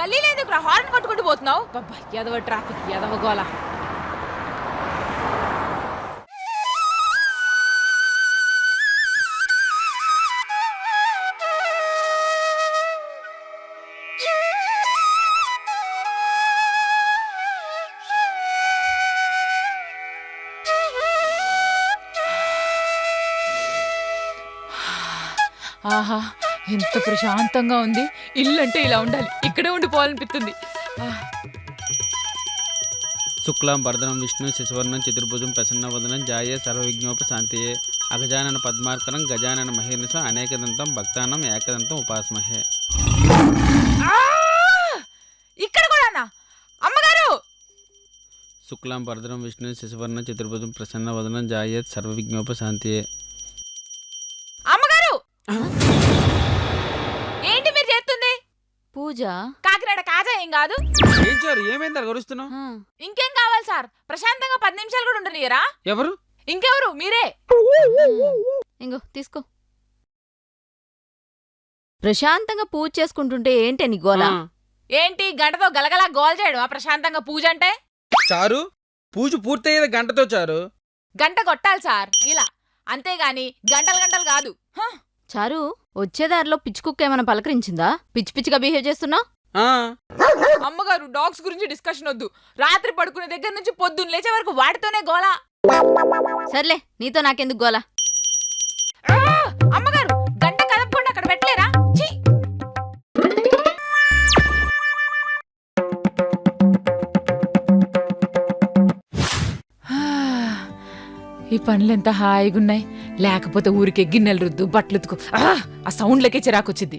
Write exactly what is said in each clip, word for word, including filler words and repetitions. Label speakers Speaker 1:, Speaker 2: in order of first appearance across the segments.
Speaker 1: గల్లీ లేదు ఇక్కడ హార్న్ కొట్టుకుంటూ పోతున్నావు. ఎదవ ట్రాఫిక్ ఎదవ గోల. ఆహా ఎంత ప్రశాంతంగా ఉంది. ఇల్లు అంటే ఇలా ఉండాలి, ఇక్కడే ఉండిపోవాలనిపిస్తుంది.
Speaker 2: శుక్లాం వరదనం విష్ణు శశివర్ణం చతుర్భుజం ప్రసన్నవదనం జాయే సర్వవిఘ్నోపశాంతయే అగజానన పద్మార్కరం గజానన మహేర్నిశం అనేకదంతం భక్తానం ఏకదంతం ఉపాస్మహే.
Speaker 1: ఇక్కడ కూడానా అమ్మగారు?
Speaker 2: శుక్లాం వరదనం విష్ణు శశివర్ణం చతుర్భుజం ప్రసన్నవదనం జాయే సర్వవిఘ్నోపశాంతయే.
Speaker 1: అమ్మగారు ఏంటి మీరు చేస్తుంది?
Speaker 3: పూజ.
Speaker 1: కాకినాడ కాజా ఏం కాదు.
Speaker 2: ఏం చారు ఏమైంది గరుస్తున్నావు?
Speaker 1: ఇంకేం కావాలి సార్? ప్రశాంతంగా పది నిమిషాలు కూడా ఉండనియరా?
Speaker 2: ఎవరు?
Speaker 1: ఇంకెవరు మీరే.
Speaker 3: ఇంగో తీసుకో. ప్రశాంతంగా పూజ చేసుకుంటుంటే ఏంటి నీ గోల?
Speaker 1: ఏంటి గంటతో గలగలా గోల్ చేయడం ఆ ప్రశాంతంగా పూజ అంటే?
Speaker 2: చారు పూజ పూర్తయ్యేది గంటతో చారు.
Speaker 1: గంట కొట్టాలి సార్ ఇలా, అంతేగాని గంటలు గంటలు కాదు.
Speaker 3: చారు వచ్చేదారిలో పిచ్చి కుక్క ఏమైనా పలకరించిందా? పిచ్చి పిచ్చిగా బిహేవ్ చేస్తున్నా?
Speaker 1: అమ్మగారు డాగ్స్ గురించి డిస్కషన్ వద్దు. రాత్రి పడుకునే దగ్గర నుంచి పొద్దున్న లేచే వరకు వాటితోనే గోలా.
Speaker 3: సర్లే నీతో నాకెందుకు గోలా?
Speaker 1: అమ్మగారు గంట కదపకుండా అక్కడ పెట్టలేరా? ఈ పనులు ఎంత హాయిగున్నాయి. లేకపోతే ఊరికే గిన్నెలు రుద్దు బట్టలు ఉతుకు, ఆ సౌండ్లకే చిరాకొచ్చింది.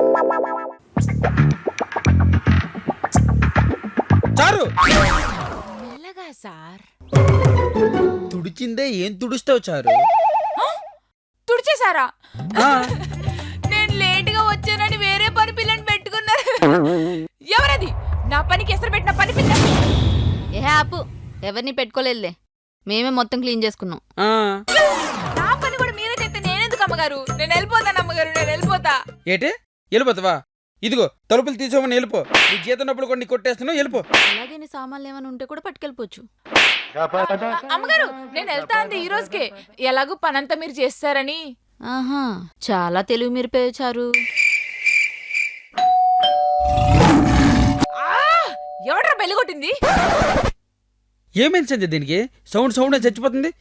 Speaker 1: మెల్లగా సార్.
Speaker 2: తుడిచిందే ఏం తుడుస్తావు చారు?
Speaker 1: తుడిచేశారా? నేను లేటుగా వచ్చానని వేరే పని పిల్లని పెట్టుకున్నారు. ఎవరది నా పనికి ఎసరు పెట్టిన పని పిల్ల?
Speaker 3: ఏ ఆపు, ఎవరిని పెట్టుకోలేదులే, మేమే మొత్తం క్లీన్ చేసుకున్నాం.
Speaker 1: నా పని కూడా మీరే చేస్తే నేనెందుకు అమ్మగారు? నేను వెళ్ళిపోతాను అమ్మగారు, నేను వెళ్ళిపోతా.
Speaker 2: ఏటే వెళ్ళిపోతావా? ఇదిగో తలుపులు తీసుకోమని వెళ్ళిపో. నీ జీతనప్పుడు కొన్ని కొట్టేస్తున్నావు, వెళ్ళిపో.
Speaker 3: అలాగే నీ సామాన్లు ఏమైనా ఉంటే కూడా పట్టుకెళ్ళిపోవచ్చు.
Speaker 1: అమ్మగారు నేను వెళ్తా అంది ఈ రోజుకే, ఎలాగూ పనంతా మీరు చేస్తారని.
Speaker 3: ఆహా చాలా తెలివి మీరు పేచారు.
Speaker 1: ఎవడ్రా బెల్లి కొట్టింది?
Speaker 2: ఏమైంది సంజయ్? దీనికి సౌండ్ సౌండ్ చచ్చిపోతుంది.